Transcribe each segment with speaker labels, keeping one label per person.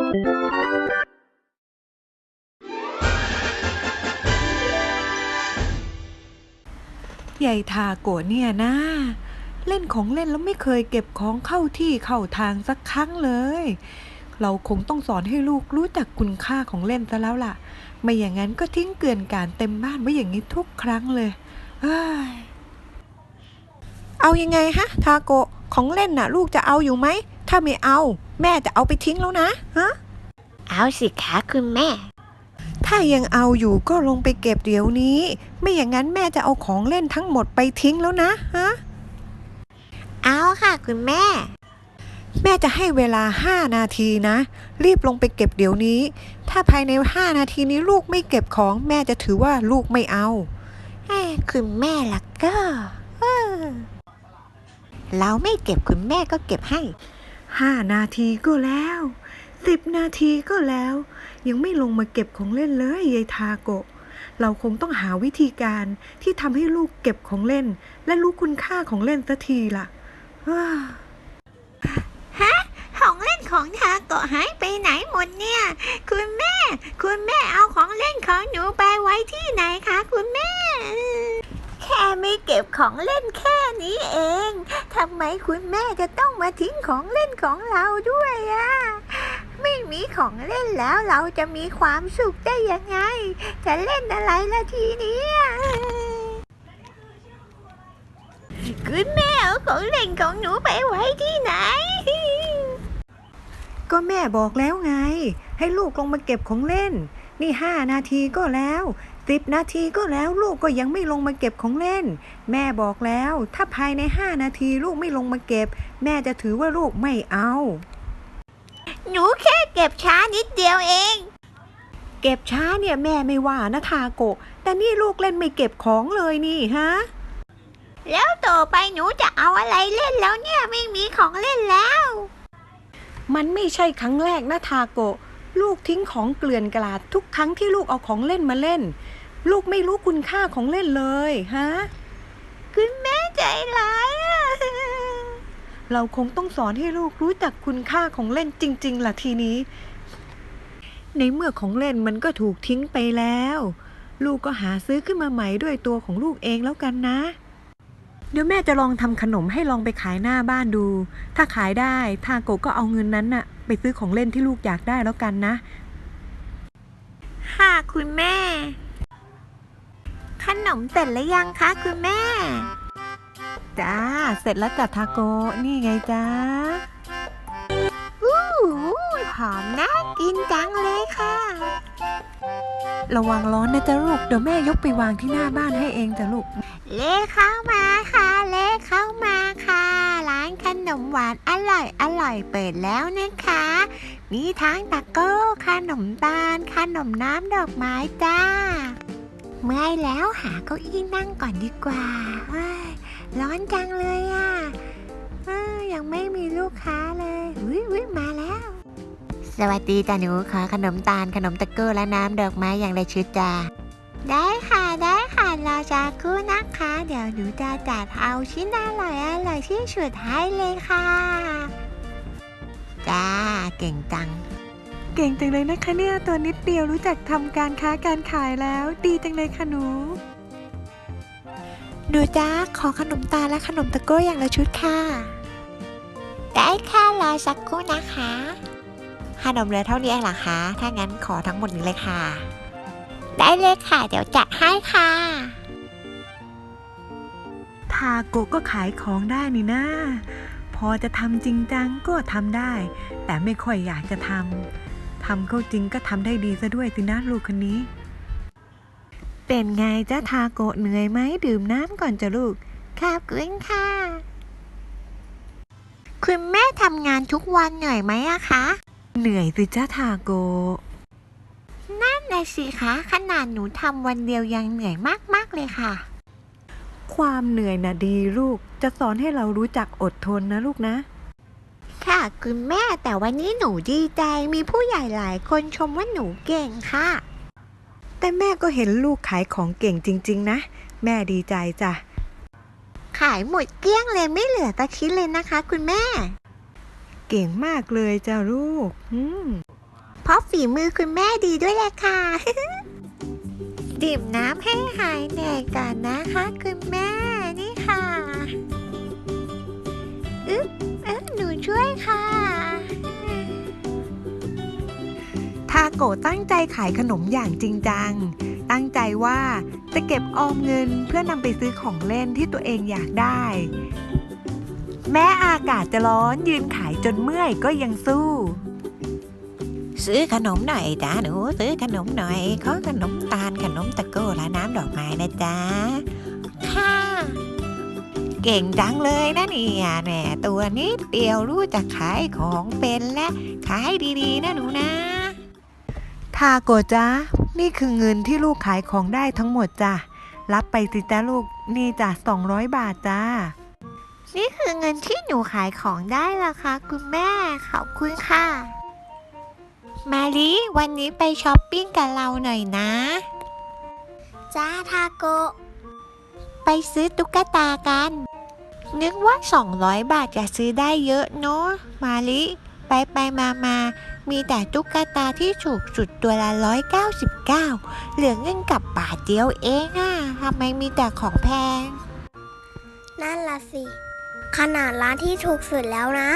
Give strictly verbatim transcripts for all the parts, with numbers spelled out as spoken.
Speaker 1: ใหญ่ทาโกะเนี่ยนะเล่นของเล่นแล้วไม่เคยเก็บของเข้าที่เข้าทางสักครั้งเลยเราคงต้องสอนให้ลูกรู้จักคุณค่าของเล่นซะแล้วล่ะไม่อย่างนั้นก็ทิ้งเกลื่อนกลาดเต็มบ้านไว้อย่างนี้ทุกครั้งเลยเอ้ยเอายังไงฮะทาโกะของเล่นน่ะลูกจะเอาอยู่ไหมถ้าไม่เอาแม่จะเอาไปทิ้งแล้วนะฮะ
Speaker 2: เอาสิคะคุณแม่
Speaker 1: ถ้ายังเอาอยู่ก็ลงไปเก็บเดี๋ยวนี้ไม่อย่างนั้นแม่จะเอาของเล่นทั้งหมดไปทิ้งแล้วนะฮะ
Speaker 2: เอาค่ะคุณแม่
Speaker 1: แม่จะให้เวลาห้านาทีนะรีบลงไปเก็บเดี๋ยวนี้ถ้าภายในห้านาทีนี้ลูกไม่เก็บของแม่จะถือว่าลูกไม่เอา
Speaker 2: แม่คุณแม่ล่ะก็เออเราไม่เก็บคุณแม่ก็เก็บให้
Speaker 1: ห้านาทีก็แล้วสิบนาทีก็แล้วยังไม่ลงมาเก็บของเล่นเลยยายทาโกะเราคงต้องหาวิธีการที่ทำให้ลูกเก็บของเล่นและรู้คุณค่าของเล่นสักทีล่ะ
Speaker 2: ฮะของเล่นของทาโกะหายไปไหนหมดเนี่ยคุณแม่คุณแม่เอาของเล่นของหนูไปไว้ที่ไหนคะคุณแม่แค่ไม่เก็บของเล่นแค่นี้เองทำไมคุณแม่จะต้องมาทิ้งของเล่นของเราด้วยอ่ะไม่มีของเล่นแล้วเราจะมีความสุขได้ยังไงจะเล่นอะไรล่ะทีนี้คุณแม่เอาของเล่นของหนูไปไว้ที่ไหน
Speaker 1: ก็แม่บอกแล้วไงให้ลูกลงมาเก็บของเล่นนี่ห้านาทีก็แล้วสิบนาทีก็แล้วลูกก็ยังไม่ลงมาเก็บของเล่นแม่บอกแล้วถ้าภายในห้านาทีลูกไม่ลงมาเก็บแม่จะถือว่าลูกไม่เอา
Speaker 2: หนูแค่เก็บช้านิดเดียวเอง
Speaker 1: เก็บช้าเนี่ยแม่ไม่ว่านะทาโกะแต่นี่ลูกเล่นไม่เก็บของเลยนี่ฮะ
Speaker 2: แล้วต่อไปหนูจะเอาอะไรเล่นแล้วเนี่ยไม่มีของเล่นแล้ว
Speaker 1: มันไม่ใช่ครั้งแรกนะทาโกะลูกทิ้งของเกลื่อนกลาดทุกครั้งที่ลูกเอาของเล่นมาเล่นลูกไม่รู้คุณค่าของเล่นเลยฮะ
Speaker 2: คุณแม่ใจร้าย
Speaker 1: เราคงต้องสอนให้ลูกรู้จักคุณค่าของเล่นจริงๆล่ะทีนี้ในเมื่อของเล่นมันก็ถูกทิ้งไปแล้วลูกก็หาซื้อขึ้นมาใหม่ด้วยตัวของลูกเองแล้วกันนะเดี๋ยวแม่จะลองทำขนมให้ลองไปขายหน้าบ้านดูถ้าขายได้ทาโกะก็เอาเงินนั้นน่ะไปซื้อของเล่นที่ลูกอยากได้แล้วกันนะ
Speaker 2: ค่ะคุณแม่ขนมเสร็จหรือยังคะคุณแม่
Speaker 1: จ้าเสร็จแล้วจ้ะทาโกะนี่ไงจ้า
Speaker 2: อู้หอมน่ากินจังเลยค่ะ
Speaker 1: ระวังร้อนนะจ๊ะลูกเดี๋ยวแม่ยกไปวางที่หน้าบ้านให้เองจ้ะลูก
Speaker 2: เล่เข้ามาค่ะเล่เข้ามาค่ะร้านขนมหวานอร่อยอร่อยเปิดแล้วนะคะมีทั้งตะโก้ขนมตาลขนมน้ำดอกไม้จ้าเมื่อยแล้วหาเก้าอี้นั่งก่อนดีกว่าร้อนจังเลยอ่ะยังไม่มีลูกค้าเลยอุ้ยอุ้ยมาแล้วสวัสดีจ้าหนูขอขนมตาลขนมตะโก้และน้ำดอกไม้อย่างไรชุดจ้าได้ค่ะได้ค่ะรอสักครู่นะคะเดี๋ยวหนูจะจัดเอาชิ้นอร่อยอร่อยที่สุดให้เลยค่ะจ้าเก่งจัง
Speaker 1: เก่งจังเลยนะคะเนี่ยตัวนิดเดียวรู้จักทำการค้าการขายแล้วดีจังเลยค่ะหนู
Speaker 2: หนูจ้าขอขนมตาลและขนมตะโก้อย่างละชุดค่ะได้ค่ะรอสักครู่นะคะขนมเหลือเท่านี้เองเหรอคะถ้างั้นขอทั้งหมดนี้เลยค่ะได้เลยค่ะเดี๋ยวจัดให้ค่ะ
Speaker 1: ทาโกะก็ขายของได้นี่นะพอจะทำจริงจังก็ทำได้แต่ไม่ค่อยอยากจะทำทำเข้าจริงก็ทำได้ดีซะด้วยสินะลูกคนนี้เป็นไงจ๊ะทาโกะเหนื่อยไหมดื่มน้ำก่อนจ้ะลูก
Speaker 2: ขอบคุณค่ะคุณแม่ทำงานทุกวันเหนื่อยไหมอะคะ
Speaker 1: เหนื่อยสิจ๊ะทาโกะ
Speaker 2: นั่นน่ะสิคะขนาดหนูทำวันเดียวยังเหนื่อยมากๆเลยค่ะ
Speaker 1: ความเหนื่อยน่ะดีลูกจะสอนให้เรารู้จักอดทนนะลูกนะ
Speaker 2: ค่ะคุณแม่แต่วันนี้หนูดีใจมีผู้ใหญ่หลายคนชมว่าหนูเก่งค่ะ
Speaker 1: แต่แม่ก็เห็นลูกขายของเก่งจริงๆนะแม่ดีใจจ้ะ
Speaker 2: ขายหมดเกลี้ยงเลยไม่เหลือตะชิ้นเลยนะคะคุณแม่
Speaker 1: เก่งมากเลยจ้ะลูกอืม
Speaker 2: เพราะฝีมือคุณแม่ดีด้วยแหละค่ะ ดื่มน้ำให้หายเหนื่อยก่อนนะคะคุณแม่นี่ค่ะอึ๊บเอ๊ะหนูช่วยค่ะ
Speaker 1: ทาโกะตั้งใจขายขนมอย่างจริงจังตั้งใจว่าจะเก็บออมเงินเพื่อนำไปซื้อของเล่นที่ตัวเองอยากได้แม้อากาศจะร้อนยืนขายจนเมื่อยก็ยังสู้
Speaker 2: ซื้อขนมหน่อยจ้าหนูซื้อขนมหน่อยขอขนมตาลขนมตะโก้และน้ำดอกไม้นะจ๊ะค่ะเก่งจังเลยนะเนี่ยแหมตัวนิดเดียวรู้จักขายของเป็นและขายดีๆนะหนูนะ
Speaker 1: ทาโกะจ้านี่คือเงินที่ลูกขายของได้ทั้งหมดจ้ะรับไปสิจ้าลูกนี่จ้ะสองร้อยบาทจ้า
Speaker 2: นี่คือเงินที่หนูขายของได้ล่ะคะคุณแม่ขอบคุณค่ะมาลิวันนี้ไปช้อปปิ้งกับเราหน่อยนะจ้าทาโกะไปซื้อตุ๊กตากันนึกว่าสองร้อยบาทจะซื้อได้เยอะเนาะมาลิไปไปมามามีแต่ตุ๊กตาที่ถูกสุดตัวละร้อยเก้าสิบเก้าเหลือเงินกับบาทเดียวเองอะทำไมมีแต่ของแพง
Speaker 3: นั่นล่ะสิขนาดร้านที่ถูกสุดแล้วนะ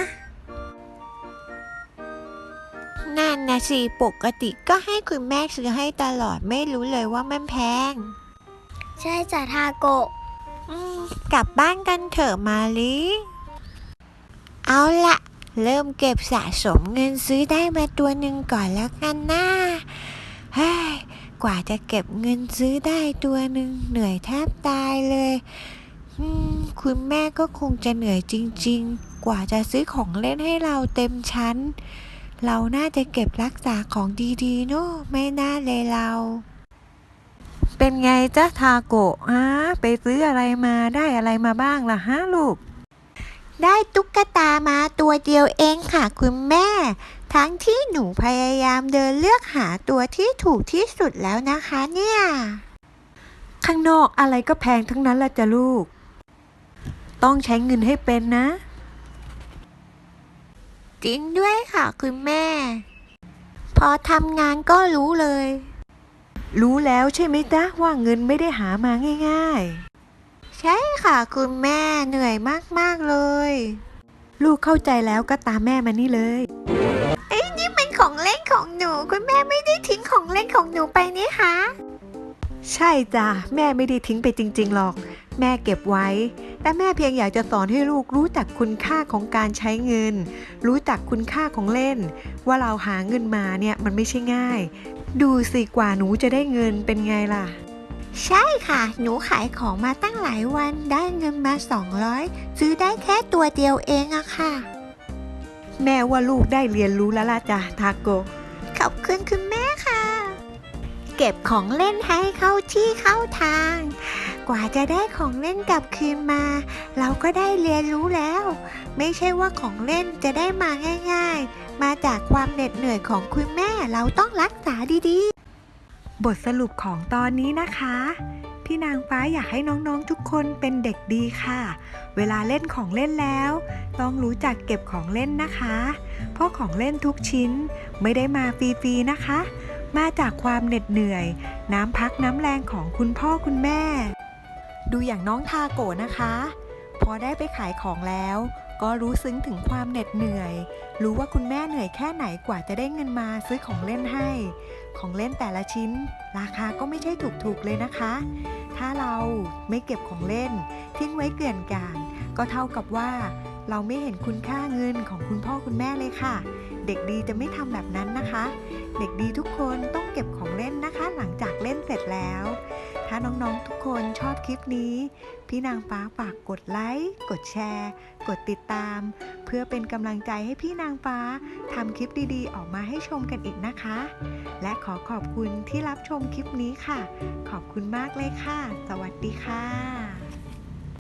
Speaker 2: นั่นนะสิปกติก็ให้คุณแม่ซื้อให้ตลอดไม่รู้เลยว่ามันแพง
Speaker 3: ใช่จ้ะทาโกะ
Speaker 2: อืมกลับบ้านกันเถอะมาลิเอาละเริ่มเก็บสะสมเงินซื้อได้มาตัวหนึ่งก่อนแล้วกันนะเฮ้ยกว่าจะเก็บเงินซื้อได้ตัวหนึ่งเหนื่อยแทบตายเลยอืมคุณแม่ก็คงจะเหนื่อยจริงๆกว่าจะซื้อของเล่นให้เราเต็มชั้นเราน่าจะเก็บรักษาของดีๆเนอะไม่น่าเลยเรา
Speaker 1: เป็นไงจ๊ะทาโกะฮะไปซื้ออะไรมาได้อะไรมาบ้างล่ะฮะลูก
Speaker 2: ได้ตุ๊กตามาตัวเดียวเองค่ะคุณแม่ทั้งที่หนูพยายามเดินเลือกหาตัวที่ถูกที่สุดแล้วนะคะเนี่ย
Speaker 1: ข้างนอกอะไรก็แพงทั้งนั้นละจ้ะลูกต้องใช้เงินให้เป็นนะ
Speaker 2: จริงด้วยค่ะคุณแม่พอทำงานก็รู้เลย
Speaker 1: รู้แล้วใช่ไหมจ๊ะว่าเงินไม่ได้หามาง่าย
Speaker 2: ๆใช่ค่ะคุณแม่เหนื่อยมากๆเลย
Speaker 1: ลูกเข้าใจแล้วก็ตามแม่มานี่เลย
Speaker 2: เอ้ยนี่มันของเล่นของหนูคุณแม่ไม่ได้ทิ้งของเล่นของหนูไปนี่คะ
Speaker 1: ใช่จ้ะแม่ไม่ได้ทิ้งไปจริงๆหรอกแม่เก็บไว้แต่แม่เพียงอยากจะสอนให้ลูกรู้จักคุณค่าของการใช้เงินรู้จักคุณค่าของเล่นว่าเราหาเงินมาเนี่ยมันไม่ใช่ง่ายดูสิกว่าหนูจะได้เงินเป็นไงล่ะ
Speaker 2: ใช่ค่ะหนูขายของมาตั้งหลายวันได้เงินมาสองร้อยซื้อได้แค่ตัวเดียวเองอะค่ะ
Speaker 1: แม่ว่าลูกได้เรียนรู้แล้วล่ะจ้ะทาโกะ
Speaker 2: ขอบคุณคุณแม่ค่ะเก็บของเล่นให้เข้าที่เข้าทางกว่าจะได้ของเล่นกลับคืนมาเราก็ได้เรียนรู้แล้วไม่ใช่ว่าของเล่นจะได้มาง่ายๆมาจากความเหน็ดเหนื่อยของคุณแม่เราต้องรักษาดี
Speaker 1: ๆบทสรุปของตอนนี้นะคะพี่นางฟ้าอยากให้น้องๆทุกคนเป็นเด็กดีค่ะเวลาเล่นของเล่นแล้วต้องรู้จักเก็บของเล่นนะคะเพราะของเล่นทุกชิ้นไม่ได้มาฟรีๆนะคะมาจากความเหน็ดเหนื่อยน้ำพักน้ำแรงของคุณพ่อคุณแม่ดูอย่างน้องทาโกะนะคะพอได้ไปขายของแล้วก็รู้ซึ้งถึงความเหน็ดเหนื่อยรู้ว่าคุณแม่เหนื่อยแค่ไหนกว่าจะได้เงินมาซื้อของเล่นให้ของเล่นแต่ละชิ้นราคาก็ไม่ใช่ถูกๆเลยนะคะถ้าเราไม่เก็บของเล่นทิ้งไว้เกลื่อนกลาดก็เท่ากับว่าเราไม่เห็นคุณค่าเงินของคุณพ่อคุณแม่เลยค่ะเด็กดีจะไม่ทำแบบนั้นนะคะเด็กดีทุกคนต้องเก็บของเล่นนะคะหลังจากเล่นเสร็จแล้วถ้าน้องๆทุกคนชอบคลิปนี้พี่นางฟ้าฝากกดไลค์กดแชร์กดติดตามเพื่อเป็นกำลังใจให้พี่นางฟ้าทำคลิปดีๆออกมาให้ชมกันอีกนะคะและขอขอบคุณที่รับชมคลิปนี้ค่ะขอบคุณมากเลยค่ะสวัสดีค่ะ